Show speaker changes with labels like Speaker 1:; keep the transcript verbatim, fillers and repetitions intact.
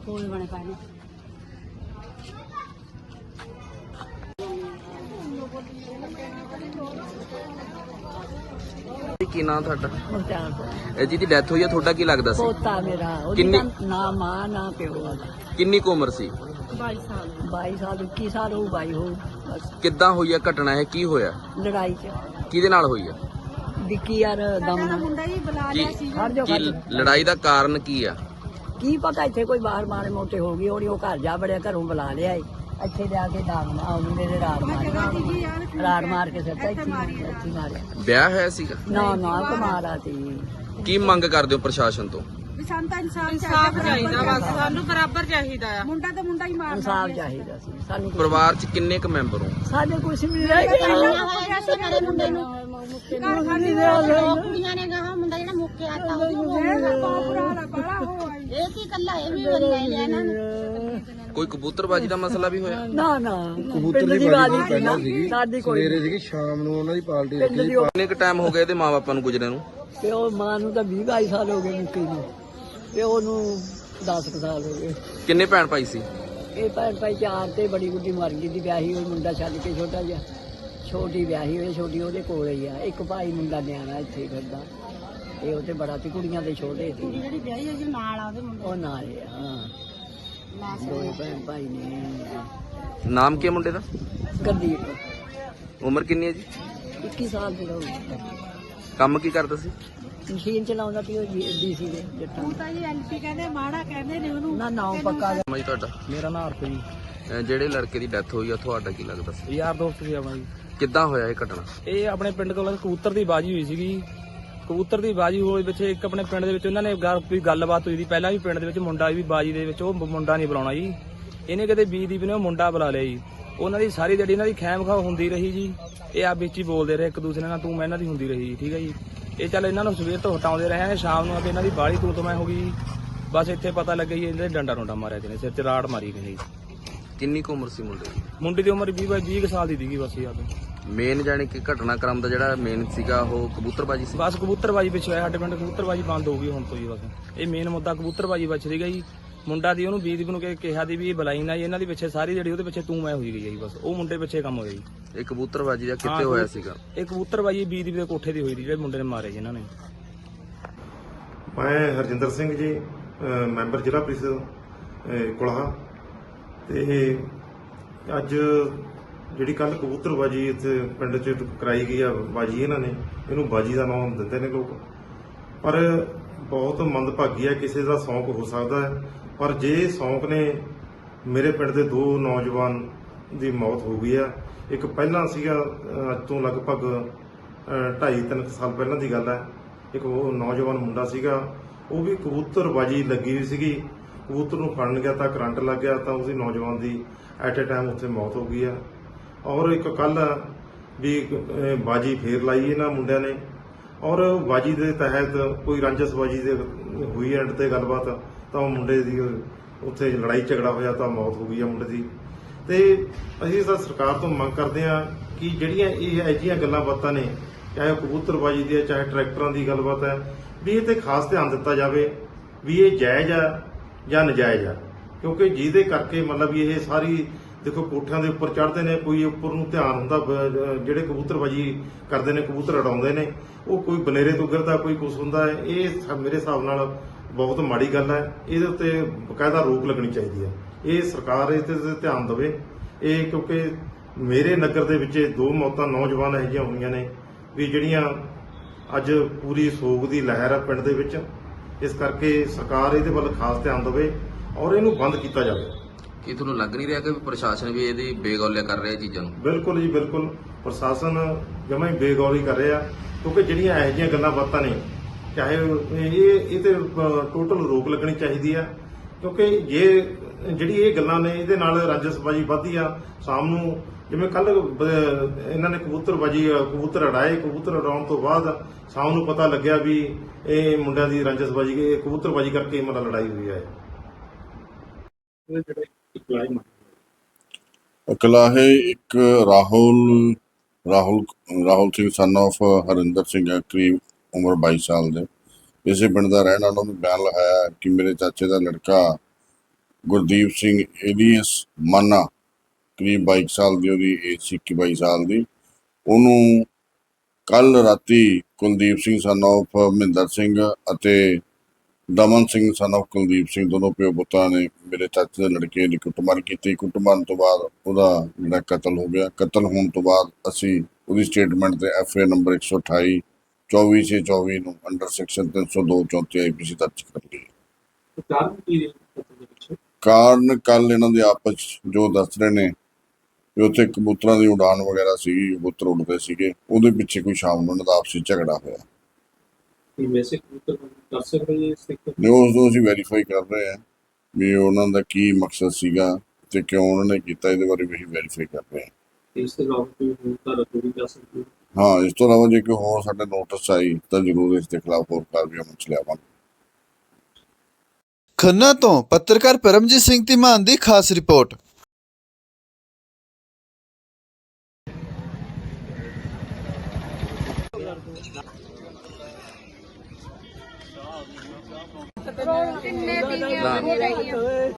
Speaker 1: ਕੋਲ ਬਣੇ ਪਏ ਨੇ।
Speaker 2: ਕੀ ਨਾਮ ਤੁਹਾਡਾ?
Speaker 1: ਮੁਖਤਾਰ
Speaker 2: ਇਹ ਜਿਹਦੀ ਡੈਥ ਹੋਈ ਹੈ ਤੁਹਾਡਾ ਕੀ ਲੱਗਦਾ ਸੀ?
Speaker 1: ਪੋਤਾ ਮੇਰਾ, ਉਹਦੀ
Speaker 2: ਕਿੰਨੀ-
Speaker 1: ਤਾਂ ਨਾ ਮਾਂ ਨਾ ਪਿਓ।
Speaker 2: ਕਿੰਨੀ ਕੁ ਉਮਰ ਸੀ?
Speaker 1: ਬਾਈ ਸਾਲ ਬਾਈ ਸਾਲ ਇੱਕੀ ਸਾਲ ਹੋਊ, ਬਾਈ ਹੋਊ ਬਸ।
Speaker 2: ਕਿੱਦਾਂ ਹੋਈ ਹੈ ਘਟਨਾ? ਇਹ ਕੀ ਹੋਇਆ?
Speaker 1: ਲੜਾਈ ਚ
Speaker 2: ਕਿਹਦੇ ਨਾਲ ਹੋਈ ਹੈ?
Speaker 1: ਵਿੱਕੀ ਯਾਰ ਦਮ ਨਾਲ।
Speaker 2: ਕੀ
Speaker 1: ਹਰ ਜੋ
Speaker 2: ਕੀ ਲੜਾਈ ਦਾ ਕਾਰਨ ਕੀ ਆ?
Speaker 1: ਕੀ ਪਤਾ, ਇੱਥੇ ਕੋਈ ਬਾਹਰ ਮਾਰੇ ਮੋਟੇ ਹੋ ਗਈ ਹੋਣੀ। ਉਹ ਘਰ ਜਾ ਬੜਿਆ, ਘਰੋਂ ਬੁਲਾ ਲਿਆ ਏ। ਇੱਥੇ ਜਾ ਕੇ ਦਾਗ ਮੇਰੇ ਰਾੜ ਮਾਰ ਰਾੜ ਮਾਰ ਕੇ ਸਿਰ ਇੱਥੇ ਇੱਥੇ ਮਾਰਿਆ।
Speaker 2: ਵਿਆਹ ਹੋਇਆ ਸੀਗਾ?
Speaker 1: ਨਾ ਨਾ ਕੁਮਾਰਾ ਸੀ।
Speaker 2: ਕੀ ਮੰਗ ਕਰਦੇ ਹੋ ਪ੍ਰਸ਼ਾਸਨ ਤੋਂ?
Speaker 3: ਸਾਨੂੰ ਤਾਂ ਇਨਸਾਫ ਚਾਹੀਦਾ, ਬਸ ਸਾਨੂੰ ਬਰਾਬਰ ਚਾਹੀਦਾ ਆ। ਮੁੰਡਾ ਤਾਂ ਮੁੰਡਾ ਹੀ ਮਾਰਦਾ।
Speaker 1: ਇਨਸਾਫ ਚਾਹੀਦਾ ਸੀ ਸਾਨੂੰ।
Speaker 2: ਪਰਿਵਾਰ ਚ ਕਿੰਨੇ ਕੁ ਮੈਂਬਰ ਹੋ?
Speaker 1: ਸਾਡੇ ਕੁਛ ਨਹੀਂ ਰਹਿ ਗਿਆ।
Speaker 3: ਮੁੰਡੇ ਨੂੰ ਘਰ ਖਾਲੀ ਦੋ ਕੁੜੀਆਂ ਨੇ ਗਾਹ ਮੁੰਡਾ ਜਿਹੜਾ ਮੁੱਕੇ ਆਤਾ ਉਹ ਇਹ ਕੀ ਕੱਲਾ ਇਹ ਵੀ ਬੰਦਾ ਲਿਆ ਇਹਨਾਂ ਨੂੰ।
Speaker 2: ਕੋਈ ਕਬੂਤਰਬਾਜੀ ਦਾ ਮਸਲਾ ਵੀ ਹੋਇਆ?
Speaker 1: ਨਾ ਨਾ
Speaker 4: ਕਬੂਤਰ ਦੀ ਬਾਜੀ ਪਹਿਲਾਂ ਸੀਗੀ,
Speaker 1: ਸਾਡੀ ਕੋਈ
Speaker 4: ਸਵੇਰੇ ਸੀਗੀ, ਸ਼ਾਮ ਨੂੰ ਉਹਨਾਂ ਦੀ ਪਾਰਟੀ
Speaker 1: ਪਿੰਡ ਦੀ ਉਹ-
Speaker 2: ਕਿੰਨੇ ਕੁ ਟਾਈਮ ਹੋ ਗਿਆ ਇਹਦੇ ਮਾਪਿਆਂ ਨੂੰ ਗੁਜਰੇ ਨੂੰ?
Speaker 1: ਤੇ ਉਹ ਮਾਂ ਨੂੰ ਤਾਂ ਵੀਹ ਬਾਈ ਸਾਲ ਹੋ ਗਏ ਮੁੱਕੀ ਨੂੰ, ਤੇ ਉਹਨੂੰ ਦਸ ਕੁ ਸਾਲ ਹੋ ਗਏ।
Speaker 2: ਕਿੰਨੇ ਭੈਣ ਭਾਈ ਸੀ?
Speaker 1: ਇਹ ਭੈਣ ਭਾਈ ਚਾਰ ਤੇ ਬੜੀ ਗੁੱਡੀ ਮਰ ਗਈ ਦੀ, ਵਿਆਹੀ ਹੋਈ ਮੁੰਡਾ ਛੱਡ ਕੇ ਛੋਟਾ ਜਿਹਾ। ਛੋਟੀ ਵਿਆਹੀ ਹੋਈ, ਛੋਟੀ ਉਹਦੇ ਕੋਲ ਹੀ ਆ। ਇੱਕ ਭਾਈ ਮੁੰਡਾ ਨਿਆਣਾ ਇੱਥੇ ਫਿਰਦਾ, ਇਹ ਉਹ ਤੇ ਬੜਾ ਤੇ ਕੁੜੀਆਂ ਦੇ ਛੋਟੇ ਸੀ।
Speaker 3: ਜਿਹੜੀ ਵਿਆਹੀ ਹੋਈ ਨਾਲ ਆ ਉਹਦੇ ਮੁੰਡੇ
Speaker 1: ਉਹ ਨਾਲ ਹੀ ਆ, ਹਾਂ ਦੋਵੇਂ ਭੈਣ ਭਾਈ ਨੇ।
Speaker 2: ਨਾਮ ਕੀ ਹੈ ਮੁੰਡੇ ਦਾ?
Speaker 1: ਗਰਦੀਪ
Speaker 2: ਉਮਰ ਕਿੰਨੀ ਹੈ ਜੀ?
Speaker 1: ਇੱਕੀ ਸਾਲ ਦੀ ਹੋ ਗਈ।
Speaker 2: ਕੰਮ ਕੀ ਕਰਦਾ ਸੀ?
Speaker 1: ਮਸ਼ੀਨ ਚਲਾਉਂਦਾ ਸੀ ਉਹ ਡੀਸੀ ਦੇ ਜੱਟਾਂ
Speaker 3: ਹੁਣ ਤਾਂ ਜੀ ਐਲਪੀ ਕਹਿੰਦੇ ਮਾੜਾ ਕਹਿੰਦੇ ਨੇ ਉਹਨੂੰ।
Speaker 1: ਨਾ ਨਾਮ ਪੱਕਾ
Speaker 2: ਨਾਮ ਜੀ ਤੁਹਾਡਾ?
Speaker 4: ਮੇਰਾ ਨਾਂ ਅਰਪ ਜੀ,
Speaker 2: ਅਹ ਜਿਹੜੇ ਲੜਕੇ ਦੀ ਡੈਥ ਹੋਈ ਆ ਤੁਹਾਡਾ ਕੀ ਲੱਗਦਾ ਸੀ?
Speaker 4: ਯਾਰ ਦੋਸਤ ਸੀ ਆਪਣਾ ਜੀ।
Speaker 2: ਕਿੱਦਾਂ ਹੋਇਆ ਇਹ ਘਟਨਾ?
Speaker 4: ਇਹ ਆਪਣੇ ਪਿੰਡ ਕੋਲ ਕਬੂਤਰ ਦੀ ਬਾਜੀ ਹੋਈ ਸੀਗੀ। ਕਬੂਤਰ ਦੀ ਬਾਜੀ ਹੋਈ ਵਿੱਚ ਇੱਕ ਆਪਣੇ ਪਿੰਡ ਦੇ ਵਿੱਚ ਉਹਨਾਂ ਨੇ ਗੱਲ ਕੋਈ ਗੱਲਬਾਤ ਹੋਈ ਸੀ ਪਹਿਲਾਂ ਵੀ। ਪਿੰਡ ਦੇ ਵਿੱਚ ਮੁੰਡਾ ਵੀ ਬਾਜੀ ਦੇ ਵਿੱਚ, ਉਹ ਮੁੰਡਾ ਨਹੀਂ ਬੁਲਾਉਣਾ ਜੀ। ਇਹਨੇ ਕਿਤੇ ਬੀਦੀਪ ਨੇ ਉਹ ਮੁੰਡਾ ਬੁਲਾ ਲਿਆ ਜੀ। ਉਹਨਾਂ ਦੀ ਸਾਰੀ ਜਿਹੜੀ ਇਹਨਾਂ ਦੀ ਖੈਮ ਖਾ ਹੁੰਦੀ ਰਹੀ ਜੀ। ਇਹ ਆ ਵਿੱਚ ਹੀ ਬੋਲਦੇ ਰਹੇ ਇੱਕ ਦੂਸਰੇ ਨਾਲ, ਤੂੰ ਮੈਂ ਇਹਨਾਂ ਦੀ ਹੁੰਦੀ ਰਹੀ ਜੀ। ਠੀਕ ਹੈ ਜੀ। ਇਹ ਚੱਲ ਇਹਨਾਂ ਨੂੰ ਸਵੇਰ ਤੋਂ ਹਟਾਉਂਦੇ ਰਹੇ ਆ, ਸ਼ਾਮ ਨੂੰ ਆ ਕੇ ਇਹਨਾਂ ਦੀ ਬਾਹਲੀ ਤੂੰ ਤੋਂ ਮੈਂ ਹੋ ਗਈ। ਬਸ ਇੱਥੇ ਪਤਾ ਲੱਗਿਆ ਜੀ ਇਹਦੇ ਡੰਡਾ ਡੁੰਡਾ ਮਾਰਿਆ ਜਿਹਨੇ, ਸਿਰ 'ਚ ਰਾੜ ਮਾਰੀ ਗਈ ਜੀ।
Speaker 2: ਕਿੰਨੀ ਕੁ ਉਮਰ ਸੀ ਮੁੰਡੇ ਦੀ?
Speaker 4: ਮੁੰਡੇ ਦੀ ਉਮਰ ਵੀਹ ਬਾਈ ਵੀਹ ਸਾਲ ਦੀ ਸੀਗੀ ਬਸ ਯਾਦ।
Speaker 2: ਮੇਨ ਜਾਣੀ ਕਿ ਘਟਨਾਕ੍ਰਮ ਦਾ ਜਿਹੜਾ ਮੇਨ ਸੀਗਾ ਉਹ ਕਬੂਤਰਬਾਜੀ ਸੀ?
Speaker 4: ਬਸ ਕਬੂਤਰਬਾਜੀ ਪਿੱਛੇ ਹੋਇਆ ਸਾਡੇ ਪਿੰਡ, ਕਬੂਤਰਬਾਜੀ ਬੰਦ ਹੋ ਗਈ ਹੁਣ ਤੋਂ ਜੀ। ਬਸ ਇਹ ਮੇਨ ਮੁੱਦਾ ਕਬੂਤਰਬਾਜੀ ਵਿੱਚ ਸੀਗਾ ਜੀ। ਮੁੰਡਾ ਦੀ ਉਹਨੂੰ ਬੀਦੀਪ ਨੂੰ ਕਿਹਾ ਦੀ ਵੀ ਇਹ ਬੁਲਾਈ ਨਾ ਜੀ। ਇਹਨਾਂ ਦੀ ਪਿੱਛੇ ਸਾਰੀ ਜਿਹੜੀ ਉਹਦੇ ਪਿੱਛੇ ਤੂੰ ਮੈਂ ਹੋਈ ਗਈ ਜੀ। ਬਸ ਉਹ ਮੁੰਡੇ ਪਿੱਛੇ ਕੰਮ ਹੋਇਆ ਜੀ।
Speaker 2: ਇਹ ਕਬੂਤਰਬਾਜੀ ਦਾ ਕਿੱਥੇ ਹੋਇਆ ਸੀਗਾ?
Speaker 4: ਇਹ ਕਬੂਤਰਬਾਜੀ ਬੀਦੀਪ ਦੇ ਕੋਠੇ ਦੀ ਹੋਈ ਸੀ, ਜਿਹੜੇ ਮੁੰਡੇ ਨੇ ਮਾਰੇ ਜੀ ਇਹਨਾਂ ਨੇ।
Speaker 5: ਮੈਂ ਹਰਜਿੰਦਰ ਸਿੰਘ ਜੀ, ਅਹ ਮੈਂਬਰ ਜ਼ਿਲ੍ਹਾ ਪ੍ਰੀਸ਼ਦ ਅਹ ਕੁਲਾਹਾ। ਤੇ ਅੱਜ ਜਿਹੜੀ ਕੱਲ ਕਬੂਤਰਬਾਜੀ ਇੱਥੇ ਪਿੰਡ 'ਚ ਕਰਾਈ ਗਈ ਆ ਬਾਜੀ, ਇਹਨਾਂ ਨੇ ਇਹਨੂੰ ਬਾਜੀ ਦਾ ਨਾਮ ਦਿੰਦੇ ਨੇ ਲੋਕ, ਪਰ ਬਹੁਤ ਮੰਦਭਾਗੀ ਹੈ। ਕਿਸੇ ਦਾ ਸ਼ੌਂਕ ਹੋ ਸਕਦਾ ਹੈ, ਪਰ ਜੇ ਸ਼ੌਂਕ ਨੇ ਮੇਰੇ ਪਿੰਡ ਦੇ ਦੋ ਨੌਜਵਾਨ ਦੀ ਮੌਤ ਹੋ ਗਈ ਆ। ਇੱਕ ਪਹਿਲਾਂ ਸੀਗਾ, ਅਹ ਅੱਜ ਤੋਂ ਲਗਭਗ ਅਹ ਢਾਈ ਤਿੰਨ ਸਾਲ ਪਹਿਲਾਂ ਦੀ ਗੱਲ ਹੈ। ਇੱਕ ਉਹ ਨੌਜਵਾਨ ਮੁੰਡਾ ਸੀਗਾ, ਉਹ ਵੀ ਕਬੂਤਰਬਾਜੀ ਲੱਗੀ ਹੋਈ ਸੀਗੀ। ਕਬੂਤਰ ਨੂੰ ਫੜਨ ਗਿਆ ਤਾਂ ਕਰੰਟ ਲੱਗ ਗਿਆ, ਤਾਂ ਉਸੇ ਨੌਜਵਾਨ ਦੀ ਐਟ ਏ ਟਾਈਮ ਉੱਥੇ ਮੌਤ ਹੋ ਗਈ ਆ। ਔਰ ਇੱਕ ਕੱਲ ਵੀ ਅਹ ਬਾਜੀ ਫੇਰ ਲਾਈ ਇਹਨਾਂ ਮੁੰਡਿਆਂ ਨੇ, ਔਰ ਬਾਜੀ ਦੇ ਤਹਿਤ ਕੋਈ ਰੰਜਸਬਾਜੀ ਦੇ ਹੋਈ ਐਂਡ ਤੇ ਗੱਲਬਾਤ, ਤਾਂ ਉਹ ਮੁੰਡੇ ਦੀ ਉੱਥੇ ਲੜਾਈ ਝਗੜਾ ਹੋਇਆ ਤਾਂ ਮੌਤ ਹੋ ਗਈ ਆ ਮੁੰਡੇ ਦੀ। ਤੇ ਅਸੀਂ ਤਾਂ ਸਰਕਾਰ ਤੋਂ ਮੰਗ ਕਰਦੇ ਹਾਂ ਕਿ ਜਿਹੜੀਆਂ ਇਹ ਅਜਿਹੀਆਂ ਗੱਲਾਂ ਬਾਤਾਂ ਨੇ, ਚਾਹੇ ਕਬੂਤਰਬਾਜੀ ਦੀ ਹੈ ਚਾਹੇ ਟਰੈਕਟਰਾਂ ਦੀ ਗੱਲਬਾਤ ਹੈ, ਵੀ ਇਹ ਤੇ ਖਾਸ ਧਿਆਨ ਦਿੱਤਾ ਜਾਵੇ ਵੀ ਇਹ ਜਾਇਜ਼ ਆ ਜਾਂ ਨਜਾਇਜ਼ ਆ। ਕਿਉਂਕਿ ਜਿਹਦੇ ਕਰਕੇ ਮਤਲਬ ਵੀ ਇਹ ਸਾਰੀ ਦੇਖੋ ਕੋਠਿਆਂ ਦੇ ਉੱਪਰ ਚੜ੍ਹਦੇ ਨੇ, ਕੋਈ ਉੱਪਰ ਨੂੰ ਧਿਆਨ ਹੁੰਦਾ, ਜਿਹੜੇ ਕਬੂਤਰਬਾਜੀ ਕਰਦੇ ਨੇ, ਕਬੂਤਰ ਉਡਾਉਂਦੇ ਨੇ, ਉਹ ਕੋਈ ਬਨੇਰੇ ਤੋਂ ਗਿਰਦਾ, ਕੋਈ ਕੁਛ ਹੁੰਦਾ ਹੈ। ਇਹ ਮੇਰੇ ਹਿਸਾਬ ਨਾਲ ਬਹੁਤ ਮਾੜੀ ਗੱਲ ਹੈ। ਇਹਦੇ ਉੱਤੇ ਬਕਾਇਦਾ ਰੋਕ ਲੱਗਣੀ ਚਾਹੀਦੀ ਹੈ। ਇਹ ਸਰਕਾਰ ਇਸ ਤੇ ਧਿਆਨ ਦੇਵੇ। ਇਹ ਕਿਉਂਕਿ ਮੇਰੇ ਨਗਰ ਦੇ ਵਿੱਚ ਦੋ ਮੌਤਾਂ ਨੌਜਵਾਨ ਇਹੋ ਜਿਹੀਆਂ ਹੋਈਆਂ ਨੇ ਵੀ ਜਿਹੜੀਆਂ ਅੱਜ ਪੂਰੀ ਸੋਗ ਦੀ ਲਹਿਰ ਹੈ ਪਿੰਡ ਦੇ ਵਿੱਚ। ਇਸ ਕਰਕੇ ਸਰਕਾਰ ਇਹਦੇ ਵੱਲ ਖਾਸ ਧਿਆਨ ਦੇਵੇ ਔਰ ਇਹਨੂੰ ਬੰਦ ਕੀਤਾ ਜਾਵੇ।
Speaker 2: ਕੀ ਤੁਹਾਨੂੰ ਲੱਗ ਨਹੀਂ ਰਿਹਾ ਕਿ ਪ੍ਰਸ਼ਾਸਨ ਵੀ ਇਹਦੀ ਬੇਗੌਲਿਆ ਕਰ ਰਿਹਾ ਚੀਜ਼ਾਂ ਨੂੰ?
Speaker 5: ਬਿਲਕੁਲ ਜੀ, ਬਿਲਕੁਲ ਪ੍ਰਸ਼ਾਸਨ ਜਮਾਂ ਹੀ ਬੇਗੌਰੀ ਕਰ ਰਿਹਾ, ਕਿਉਂਕਿ ਜਿਹੜੀਆਂ ਇਹੋ ਜਿਹੀਆਂ ਗੱਲਾਂ ਬਾਤਾਂ ਨੇ, ਚਾਹੇ ਇਹ ਇਹ ਤੇ ਟੋਟਲ ਰੋਕ ਲੱਗਣੀ ਚਾਹੀਦੀ ਆ। ਕਿਉਂਕਿ ਜੇ ਜਿਹੜੀ ਇਹ ਗੱਲਾਂ ਨੇ, ਇਹਦੇ ਨਾਲ ਰੰਜਸਬਾਜੀ ਵੱਧਦੀ ਆ। ਸ਼ਾਮ ਨੂੰ ਜਿਵੇਂ ਕੱਲ ਇਹਨਾਂ ਨੇ ਕਬੂਤਰਬਾਜੀ ਕਬੂਤਰ ਉਡਾਏ, ਕਬੂਤਰ ਉਡਾਉਣ ਤੋਂ ਬਾਅਦ ਸ਼ਾਮ ਨੂੰ ਪਤਾ ਲੱਗਿਆ ਵੀ ਇਹ ਮੁੰਡਿਆਂ ਦੀ ਰੰਜਸਬਾਜੀ ਕਬੂਤਰਬਾਜੀ ਕਰਕੇ ਮਤਲਬ ਲੜਾਈ ਹੋਈ ਹੈ।
Speaker 6: ਇਕਲਾਹੇ ਇੱਕ ਰਾਹੁਲ ਰਾਹੁਲ ਰਾਹੁਲ ਸਿੰਘ ਸਨ ਆਫ ਹਰਿੰਦਰ ਸਿੰਘ ਹੈ, ਕਰੀਬ ਉਮਰ ਬਾਈ ਸਾਲ ਦੇ, ਇਸੇ ਪਿੰਡ ਦਾ ਰਹਿਣ ਵਾਲਾ। ਉਹਨੇ ਬਿਆਨ ਲਿਖਾਇਆ ਕਿ ਮੇਰੇ ਚਾਚੇ ਦਾ ਲੜਕਾ ਗੁਰਦੀਪ ਸਿੰਘ ਏਲੀਅਸ ਮਾਨਾ, ਕਰੀਬ ਬਾਈ ਸਾਲ ਦੀ ਉਹਦੀ ਏਜ ਸੀ, ਇੱਕੀ ਬਾਈ ਸਾਲ ਦੀ। ਉਹਨੂੰ ਕੱਲ ਰਾਤੀ ਕੁਲਦੀਪ ਸਿੰਘ ਸਨ ਆਫ ਮਹਿੰਦਰ ਸਿੰਘ ਅਤੇ ਦਮਨ ਸਿੰਘ ਸਨ ਆਫ ਕੁਲਦੀਪ ਸਿੰਘ, ਦੋਨੋਂ ਪਿਓ ਪੁੱਤਾਂ ਨੇ ਮੇਰੇ ਚਾਚੇ ਦੇ ਲੜਕੇ ਦੀ ਕੁੱਟਮਾਰ ਕੀਤੀ। ਕੁੱਟਮਾਰ ਤੋਂ ਬਾਅਦ ਉਹਦਾ ਜਿਹੜਾ ਕਤਲ ਹੋ ਗਿਆ। ਕਤਲ ਹੋਣ ਤੋਂ ਬਾਅਦ ਅਸੀਂ ਉਹਦੀ ਸਟੇਟਮੈਂਟ ਤੇ ਐਫ ਏ ਨੰਬਰ ਇੱਕ ਸੌ ਅਠਾਈ ਚੌਵੀ ਛੇ ਚੌਵੀ ਨੂੰ ਅੰਡਰ ਸੈਕਸ਼ਨ ਤਿੰਨ ਸੌ ਦੋ ਚੌਂਤੀ ਆਈ ਪੀ ਸੀ ਦਰਜ ਕਰ ਲਈ। ਕਾਰਨ ਕੱਲ ਇਹਨਾਂ ਦੇ ਆਪਸ 'ਚ ਜੋ ਦੱਸ ਰਹੇ ਨੇ ਕਿ ਉੱਥੇ ਕਬੂਤਰਾਂ ਦੀ ਉਡਾਨ ਵਗੈਰਾ ਸੀਗੀ, ਕਬੂਤਰ ਉੱਡਦੇ ਸੀਗੇ, ਉਹਦੇ ਪਿੱਛੇ ਕੋਈ ਸ਼ਾਮ ਨੂੰ ਉਹਨਾਂ ਦਾ ਆਪਸੀ ਝਗੜਾ ਹੋਇਆ। ਨਹੀਂ, ਉਸ ਨੂੰ ਅਸੀਂ ਵੈਰੀਫਾਈ ਕਰ ਰਹੇ ਹਾਂ ਵੀ ਉਹਨਾਂ ਦਾ ਕੀ ਮਕਸਦ ਸੀਗਾ ਤੇ ਕਿਉਂ ਉਹਨਾਂ ਨੇ ਕੀਤਾ, ਇਹਦੇ ਬਾਰੇ ਵੀ ਅਸੀਂ ਵੈਰੀਫਾਈ ਕਰ ਰਹੇ ਹਾਂ।
Speaker 7: ਇਸ ਤੋਂ ਇਲਾਵਾ ਕੋਈ ਹੋਰ ਧਾਰਾ ਕੋਈ ਕਰ ਸਕਦੀ ਹੈ?
Speaker 6: ਹਾਂ, ਇਸ ਤੋਂ ਇਲਾਵਾ ਜੇ ਕੋਈ ਹੋਰ ਸਾਡੇ ਨੋਟਿਸ ਆਈ ਤਾਂ ਜ਼ਰੂਰ ਇਸ ਦੇ ਖਿਲਾਫ ਹੋਰ ਕਾਰਵਾਈ ਅਮਲ 'ਚ ਲਿਆਵਾਂਗੇ।
Speaker 8: ਖੰਨਾ ਤੋਂ ਪੱਤਰਕਾਰ ਪਰਮਜੀਤ ਸਿੰਘ ਧੀਮਾਨ ਦੀ ਖਾਸ ਰਿਪੋਰਟ।
Speaker 3: ਕਿੰਨੇ ਦੀ